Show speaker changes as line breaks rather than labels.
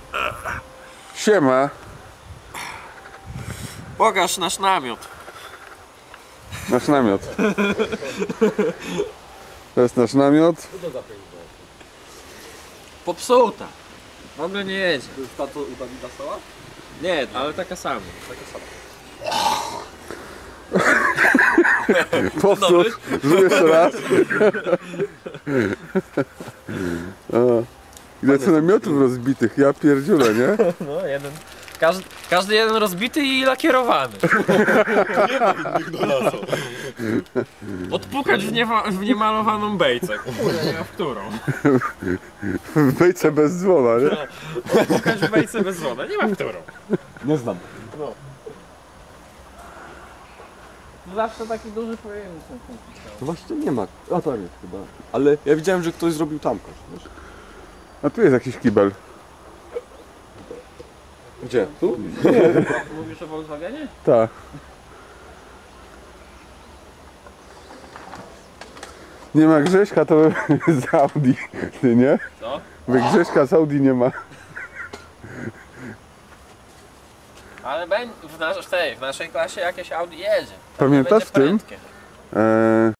Siema.
Pokaż nasz namiot.
Nasz namiot. To jest nasz namiot.
Popsuta. W ogóle nie jedzie.
To jest ta, co u Dawida stała?
Nie, ale taka sama.
Taka sama.
Powtórz, zrób jeszcze raz. Ile co namiotów rozbitych, ja pierdziulę, nie?
No, jeden. Każdy jeden rozbity i lakierowany. Odpukać w niemalowaną bejcę. Kurde, nie ma w którą.
Bejce bez dzwona, nie?
Odpukać w bejce bez wody, nie ma w którą.
Nie znam.
No. Zawsze taki duży pojemnik.
No właśnie nie ma. A to jest chyba. Ale ja widziałem, że ktoś zrobił tam kosz, wiesz?
A tu jest jakiś kibel.
Gdzie? Tu?
Mówisz o Volkswagenie?
Tak. Nie ma Grześka, to z Audi, ty nie?
Co?
Bo Grześka z Audi nie ma.
Ale w naszej klasie jakieś Audi jedzie.
Pamiętasz
Będzie
w tym?
prędkie.